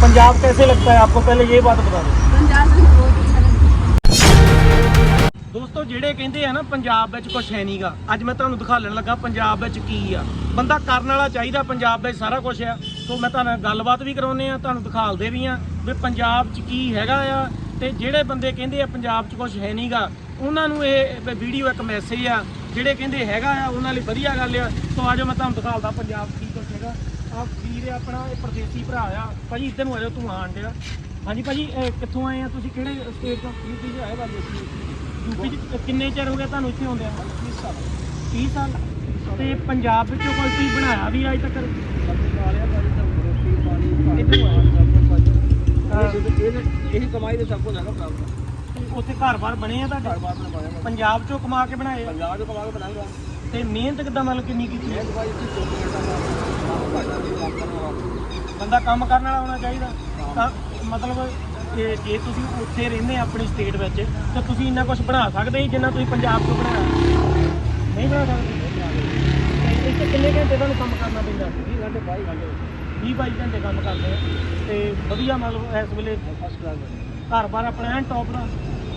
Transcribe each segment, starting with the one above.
पंजाब कैसे लगता है आपको, पहले ये बात बता दो। पंजाब में बहुत अच्छा लगता है। ਦੋਸਤੋ ਜਿਹੜੇ ਕਹਿੰਦੇ ਆ ਨਾ ਪੰਜਾਬ ਵਿੱਚ ਕੁਝ ਹੈ ਨਹੀਂਗਾ, ਅੱਜ ਮੈਂ ਤੁਹਾਨੂੰ ਦਿਖਾਉਣ ਲੱਗਾ ਪੰਜਾਬ ਵਿੱਚ ਕੀ ਆ। ਬੰਦਾ ਕਰਨ ਵਾਲਾ ਚਾਹੀਦਾ, ਪੰਜਾਬ ਵਿੱਚ ਸਾਰਾ ਕੁਝ ਆ। ਸੋ ਮੈਂ ਤੁਹਾਨੂੰ ਗੱਲਬਾਤ ਵੀ ਕਰਾਉਨੇ ਆ, ਤੁਹਾਨੂੰ ਦਿਖਾਲਦੇ ਵੀ ਆ ਵੀ ਪੰਜਾਬ 'ਚ ਕੀ ਹੈਗਾ ਆ। ਤੇ ਜਿਹੜੇ ਬੰਦੇ ਕਹਿੰਦੇ ਆ ਪੰਜਾਬ 'ਚ ਕੁਝ ਹੈ ਨਹੀਂਗਾ, ਉਹਨਾਂ ਨੂੰ ਇਹ ਵੀਡੀਓ ਇੱਕ ਮੈਸੇਜ ਆ। ਜਿਹੜੇ ਕਹਿੰਦੇ ਹੈਗਾ ਆ ਉਹਨਾਂ ਲਈ ਵਧੀਆ ਗੱਲ ਆ। ਸੋ ਆਜੋ ਮੈਂ ਤੁਹਾਨੂੰ ਦਿਖਾਲਦਾ ਪੰਜਾਬ ਕੀ ਕੁਝ ਹੈਗਾ। ਆ ਵੀਰ ਆਪਣਾ ਇਹ ਪਰਦੇਸੀ ਭਰਾ ਆ। ਭਾਜੀ ਇੱਧਰ ਨੂੰ ਆਜੋ, ਤੂੰ ਆਣ ਡਿਆ। ਹਾਂਜੀ ਭਾਜੀ, ਕਿੱਥੋਂ ਆਏ ਆ ਤੁਸੀਂ, ਕਿਹੜੇ ਸਟੇਟ ਤੋਂ? ਯੂਪੀ 'ਚ ਆਏ ਬਾਜੀ। ਯੂਪੀ 'ਚ ਕਿੰਨੇ ਚਿਰ ਹੋ ਗਿਆ ਤੁਹਾਨੂੰ ਇੱਥੇ ਆਉਂਦੇ ਆ? 30 ਸਾਲ। 30 ਸਾਲ। ਤੇ ਪੰਜਾਬ ਵਿੱਚੋਂ ਕੋਈ ਚੀਜ਼ ਬਣਾਇਆ ਵੀ ਅੱਜ ਤੱਕ? ਇਹੀ ਕਮਾਈ ਦੇ ਸਭ ਕੁਝ ਹੈਗਾ ਪ੍ਰਾਪਤ। ਉੱਥੇ ਘਰ-ਬਾਰ ਬਣੇ ਆ ਤੁਹਾਡੇ? ਪੰਜਾਬ 'ਚੋਂ ਕਮਾ ਕੇ ਬਣਾਏ? ਪੰਜਾਬ ਤੋਂ ਕਮਾ ਕੇ ਬਣਾਉਂਗਾ। ਤੇ ਮਿਹਨਤ ਕਿੱਦਾਂ, ਮਤਲਬ ਕਿੰਨੀ ਕੀਤੀ? ਬੰਦਾ ਕੰਮ ਕਰਨ ਵਾਲਾ ਹੋਣਾ ਚਾਹੀਦਾ। ਤਾਂ ਮਤਲਬ ਜੇ ਤੁਸੀਂ ਉੱਥੇ ਰਹਿੰਦੇ ਆਪਣੀ ਸਟੇਟ ਵਿੱਚ, ਤਾਂ ਤੁਸੀਂ ਇੰਨਾ ਕੁਝ ਬਣਾ ਸਕਦੇ ਜਿੰਨਾ ਤੁਸੀਂ ਪੰਜਾਬ 'ਚੋਂ ਬਣਾਇਆ? ਨਹੀਂ ਬਣਾ ਸਕਦੇ। ਤੇ ਇੱਥੇ ਕਿੰਨੇ ਘੰਟੇ ਤੁਹਾਨੂੰ ਕੰਮ ਕਰਨਾ ਪੈਂਦਾ? 20-22 ਘੰਟੇ ਕੰਮ ਕਰਦੇ ਆ। ਤੇ ਵਧੀਆ, ਮਤਲਬ ਇਸ ਵੇਲੇ ਫਸਟ ਕਲਾਸ ਘਰ-ਬਾਰ ਆਪਣਾ ਐਨ ਟੌਪ ਦਾ?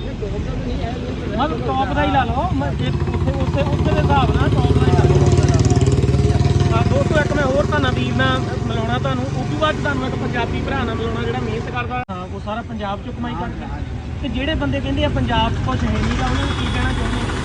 ਮਤਲਬ ਟੌਪ ਦਾ ਹੀ ਲਾ ਲਓ, ਉੱਥੇ ਦੇ ਹਿਸਾਬ ਨਾਲ ਟੌਪ ਦਾ ਹੀ ਲਾ ਲਓ। ਦੋਸਤੋ ਇੱਕ ਮੈਂ ਹੋਰ ਤੁਹਾਨੂੰ ਵੀਰ ਨਾਲ ਮਿਲਾਉਣਾ, ਤੁਹਾਨੂੰ ਉਸ ਤੋਂ ਬਾਅਦ ਤੁਹਾਨੂੰ ਇੱਕ ਪੰਜਾਬੀ ਭਰਾ ਨਾਲ ਮਿਲਾਉਣਾ ਜਿਹੜਾ ਮਿਹਨਤ ਕਰਦਾ। ਹਾਂ, ਉਹ ਸਾਰਾ ਪੰਜਾਬ 'ਚੋਂ ਕਮਾਈ ਕਰਦਾ। ਤੇ ਜਿਹੜੇ ਬੰਦੇ ਕਹਿੰਦੇ ਆ ਪੰਜਾਬ 'ਚ ਕੁਝ ਹੈ ਨਹੀਂ ਗਾ, ਉਹਨਾਂ ਨੂੰ ਕੀ ਕਹਿਣਾ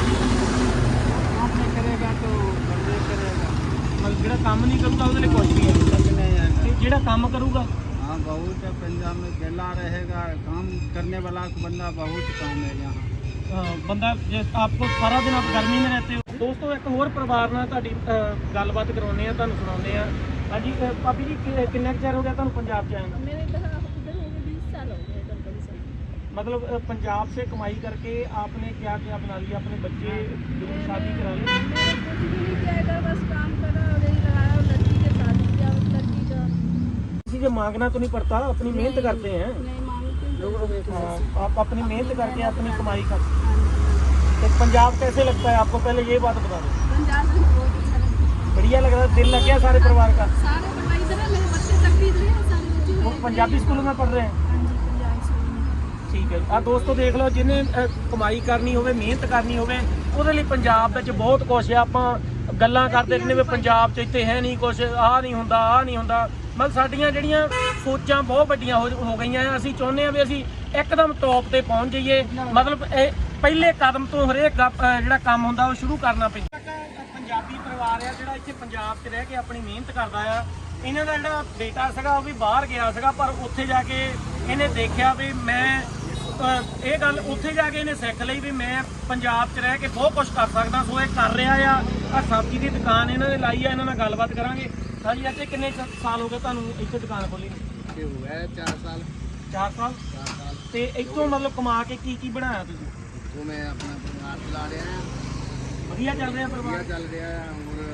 ਚਾਹੁੰਦੇ? ਆਪਣੇ ਕਰੇਗਾ ਤਾਂ ਬੰਦੇ ਕਰੇਗਾ। ਮਤਲਬ ਜਿਹੜਾ ਕੰਮ ਨਹੀਂ ਕਰੂਗਾ ਉਹਦੇ ਲਈ ਕੁਝ ਵੀ ਹੈ, ਤੇ ਜਿਹੜਾ ਕੰਮ ਕਰੂਗਾ? हाँ, बहुत है। पंजाब में गला रहेगा, काम करने वाला बंदा बहुत कम है यहाँ। ਬੰਦਾ ਜੇ ਆਪਕੋ ਸਾਰਾ ਦਿਨ ਆਪ ਗਰਮੀ में रहते हो। ਦੋਸਤੋ ਇੱਕ ਹੋਰ ਪਰਿਵਾਰ ਨਾਲ ਤੁਹਾਡੀ ਗੱਲਬਾਤ ਕਰਾਉਂਦੇ ਆ, ਤੁਹਾਨੂੰ ਸੁਣਾਉਂਦੇ ਆ। ਹਾਂਜੀ ਭਾਬੀ ਜੀ, ਕਿੰਨਾ ਚਿਰ ਹੋ ਗਿਆ ਤੁਹਾਨੂੰ ਪੰਜਾਬ 'ਚ ਆਏ ਨੂੰ? मेरे इधर हो गए 20 साल हो गए इधर बड़ी साल। मतलब पंजाब से कमाई करके आपने क्या क्या बना लिया? अपने बच्चे शादी करा ली? मैंने कुछ भी नहीं किया इधर, बस काम करा और यही लगाया और लड़की के शादी किया। उस लड़की का किसी से मांगना तो नहीं पड़ता, अपनी मेहनत करते हैं। नहीं मांगते। हाँ, आप अपनी मेहनत करके अपनी कमाई करते हैं। तो पंजाब कैसे लगता है आपको, पहले ये बात बता दो। पंजाब में बहुत अच्छा लगता है। बढ़िया लग रहा है, दिल लग गया सारे परिवार का? सारे परिवार इधर है, मेरे बच्चे तक भी इधर हैं, सारे बच्चे वो पंजाबी स्कूलों में पढ़ रहे हैं? हाँ जी, पंजाबी स्कूल में। ਠੀਕ ਹੈ। ਆ ਦੋਸਤੋ ਦੇਖ ਲਓ, ਜਿਹਨੇ ਕਮਾਈ ਕਰਨੀ ਹੋਵੇ, ਮਿਹਨਤ ਕਰਨੀ ਹੋਵੇ, ਉਹਦੇ ਲਈ ਪੰਜਾਬ ਵਿੱਚ ਬਹੁਤ ਕੁਛ ਆ। ਆਪਾਂ ਗੱਲਾਂ ਕਰਦੇ ਰਹਿੰਦੇ ਵੀ ਪੰਜਾਬ 'ਚ ਇੱਥੇ ਹੈ ਨਹੀਂ ਕੁਛ, ਆਹ ਨਹੀਂ ਹੁੰਦਾ, ਆਹ ਨਹੀਂ ਹੁੰਦਾ। ਮਤਲਬ ਸਾਡੀਆਂ ਜਿਹੜੀਆਂ ਸੋਚਾਂ ਬਹੁਤ ਵੱਡੀਆਂ ਹੋ ਗਈਆਂ ਆ। ਅਸੀਂ ਚਾਹੁੰਦੇ ਆ ਵੀ ਅਸੀਂ ਇੱਕਦਮ ਟੌਪ ਤੇ ਪਹੁੰਚ ਜਾਈਏ। ਮਤਲਬ ਇਹ ਪਹਿਲੇ ਕਦਮ ਤੋਂ ਹਰੇਕ ਜਿਹੜਾ ਕੰਮ ਹੁੰਦਾ ਉਹ ਸ਼ੁਰੂ ਕਰਨਾ ਪੈਂਦਾ। ਪੰਜਾਬੀ ਪਰਿਵਾਰ ਆ ਜਿਹੜਾ ਇੱਥੇ ਪੰਜਾਬ 'ਚ ਰਹਿ ਕੇ ਆਪਣੀ ਮਿਹਨਤ ਕਰਦਾ ਆ। ਇਹਨਾਂ ਦਾ ਜਿਹੜਾ ਬੇਟਾ ਸੀਗਾ ਉਹ ਵੀ ਬਾਹਰ ਗਿਆ ਸੀਗਾ, ਪਰ ਉੱਥੇ ਜਾ ਕੇ ਇਹਨੇ ਦੇਖਿਆ ਵੀ ਮੈਂ ਇਹ ਗੱਲ ਉੱਥੇ ਜਾ ਕੇ ਇਹਨੇ ਸਿੱਖ ਲਈ ਵੀ ਮੈਂ ਪੰਜਾਬ 'ਚ ਰਹਿ ਕੇ ਬਹੁਤ ਕੁਝ ਕਰ ਸਕਦਾ। ਸੋ ਇਹ ਕਰ ਰਿਹਾ ਆ। ਸਬਜ਼ੀ ਦੀ ਦੁਕਾਨ ਇਹਨਾਂ ਨੇ ਲਾਈ ਆ, ਇਹਨਾਂ ਨਾਲ ਗੱਲਬਾਤ ਕਰਾਂਗੇ। ਹਾਂਜੀ, ਇੱਥੇ ਕਿੰਨੇ ਸਾਲ ਹੋ ਗਏ ਤੁਹਾਨੂੰ ਇੱਥੇ ਦੁਕਾਨ ਖੋਲੀ ਨੂੰ? ये हुआ है 4 साल। 4 ਸਾਲ। 4 साल ਤੇ ਇੱਥੋਂ ਮਤਲਬ ਕਮਾ ਕੇ ਕੀ ਬਣਾਇਆ ਤੁਸੀਂ? तो मैं अपना परिवार चला रहे हैं। ਵਧੀਆ ਚੱਲ ਰਿਹਾ बढ़िया ਪਰਿਵਾਰ? चल रहा है।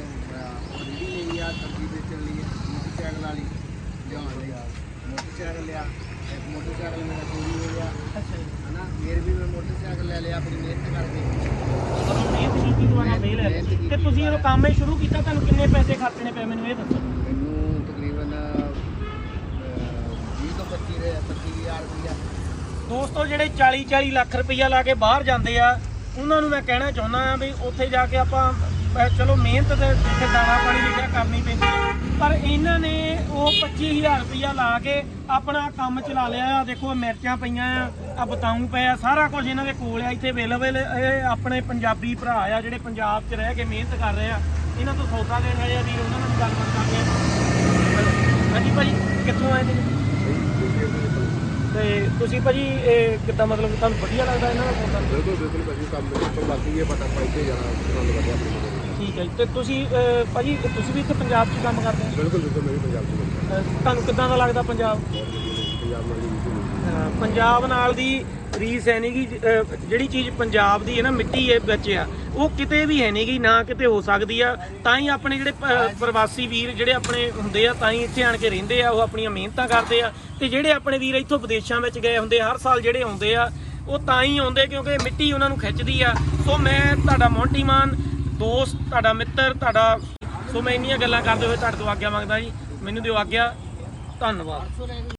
और रेडी ले लिया, सब्जी बेचने लिए मोटरसाइकिल वाली जहाँ लिया, मोटरसाइकिल लिया। एक मोटरसाइकिल मेरा चोरी हो गया ਅੱਛਾ ਜੀ। है ना, फिर भी मैं मोटरसाइकिल ले लिया अपनी मेहनत करके। ਮਿਹਨਤ ਕੀਤੀ ਦੁਆਰਾ ਮੇਲ ਹੈ। ਤੇ ਤੁਸੀਂ ਜਦੋਂ ਕੰਮ ਇਹ ਸ਼ੁਰੂ ਕੀਤਾ ਤੁਹਾਨੂੰ ਕਿੰਨੇ ਪੈਸੇ ਖਰਚਣੇ ਪਏ ਮੈਨੂੰ ਇਹ ਦੱਸੋ? ਮੈਨੂੰ ਤਕਰੀਬਨ 20 ਤੋਂ 25,000 ਰੁਪਇਆ। ਦੋਸਤੋ ਜਿਹੜੇ 40 ਲੱਖ ਰੁਪਈਆ ਲਾ ਕੇ ਬਾਹਰ ਜਾਂਦੇ ਆ, ਉਹਨਾਂ ਨੂੰ ਮੈਂ ਕਹਿਣਾ ਚਾਹੁੰਦਾ ਆ ਵੀ ਉੱਥੇ ਜਾ ਕੇ ਆਪਾਂ ਚਲੋ ਮਿਹਨਤ ਤੇ ਜਿੱਥੇ ਦਾਣਾ ਪਾਣੀ ਲਿਖਿਆ ਕਰਨੀ ਪੈਂਦੀ, ਪਰ ਇਹਨਾਂ ਨੇ ਉਹ 25,000 ਰੁਪਈਆ ਲਾ ਕੇ ਆਪਣਾ ਕੰਮ ਚਲਾ ਲਿਆ ਆ। ਦੇਖੋ ਮਿਰਚਾਂ ਪਈਆਂ ਆ, ਬਤਾਊ ਪਏ ਆ, ਸਾਰਾ ਕੁਝ ਇਹਨਾਂ ਦੇ ਕੋਲ ਆ ਇੱਥੇ ਅਵੇਲੇਬਲ। ਇਹ ਆਪਣੇ ਪੰਜਾਬੀ ਭਰਾ ਆ ਜਿਹੜੇ ਪੰਜਾਬ 'ਚ ਰਹਿ ਕੇ ਮਿਹਨਤ ਕਰ ਰਹੇ ਆ। ਇਹਨਾਂ ਤੋਂ ਸੌਦਾ ਲੈਣ ਆਏ ਆ ਵੀਰ, ਉਹਨਾਂ ਨਾਲ ਗੱਲਬਾਤ ਕਰਦੇ ਆ। ਹਾਂਜੀ ਭਾਜੀ, ਕਿੱਥੋਂ ਆਏ ਜੀ? ਤੇ ਤੁਸੀਂ ਭਾਜੀ ਇਹ ਕਿੱਦਾਂ, ਮਤਲਬ ਤੁਹਾਨੂੰ ਵਧੀਆ ਲੱਗਦਾ ਇਹਨਾਂ ਦਾ ਸੌਦਾ? ਬਿਲਕੁਲ ਭਾਜੀ, ਕੰਮ ਬਿਲਕੁਲ ਬਾਕੀ ਇਹ ਪਤਾ ਪਾਈ ਤੇ ਜਾਣਾ ਪਸੰਦ ਕਰਦੇ ਆਪਣੀ। ਠੀਕ ਹੈ ਜੀ। ਤੇ ਤੁਸੀਂ ਭਾਜੀ ਤੁਸੀਂ ਵੀ ਇੱਥੇ ਪੰਜਾਬ 'ਚ ਕੰਮ ਕਰਦੇ ਹੋ? ਬਿਲਕੁਲ ਮੈਂ ਵੀ ਪੰਜਾਬ ਤੋਂ ਤੁਹਾਨੂੰ ਕਿੱਦਾਂ ਦਾ ਲੱਗਦਾ ਪੰਜਾਬ? ਪੰਜਾਬ ਨਾਲ ਦੀ ਪੰਜਾਬ ਨਾਲ ਦੀ ਰੀਸ ਹੈ ਨਹੀਂ ਗੀ। ਜਿਹੜੀ ਚੀਜ਼ ਪੰਜਾਬ ਦੀ ਹੈ ਨਾ, ਮਿੱਟੀ ਹੈ ਵਿੱਚ ਆ, ਉਹ ਕਿਤੇ ਵੀ ਹੈ ਨਹੀਂ ਗੀ, ਨਾ ਕਿਤੇ ਹੋ ਸਕਦੀ ਆ। ਤਾਂ ਹੀ ਆਪਣੇ ਜਿਹੜੇ ਪ੍ਰਵਾਸੀ ਵੀਰ ਜਿਹੜੇ ਆਪਣੇ ਹੁੰਦੇ ਆ, ਤਾਂ ਹੀ ਇੱਥੇ ਆਣ ਕੇ ਰਹਿੰਦੇ ਆ, ਉਹ ਆਪਣੀਆਂ ਮਿਹਨਤਾਂ ਕਰਦੇ ਆ। ਤੇ ਜਿਹੜੇ ਆਪਣੇ ਵੀਰ ਇੱਥੋਂ ਵਿਦੇਸ਼ਾਂ ਵਿੱਚ ਗਏ ਹੁੰਦੇ ਹਰ ਸਾਲ ਜਿਹੜੇ ਆਉਂਦੇ ਆ, ਉਹ ਤਾਂ ਹੀ ਆਉਂਦੇ ਕਿਉਂਕਿ ਮਿੱਟੀ ਉਹਨਾਂ ਨੂੰ ਖਿੱਚਦੀ ਆ। ਸੋ ਮੈਂ ਤੁਹਾਡਾ ਮੋਂਟੀ ਮਾਨ ਦੋਸਤ, ਤੁਹਾਡਾ ਮਿੱਤਰ, ਤੁਹਾਡਾ ਸੋ ਮੈਂ ਇੰਨੀਆਂ ਗੱਲਾਂ ਕਰਦੇ ਹੋਏ ਤੁਹਾਡੇ ਤੋਂ ਆਗਿਆ ਮੰਗਦਾ ਜੀ। ਮੈਨੂੰ ਦਿਓ ਆਗਿਆ। ਧੰਨਵਾਦ।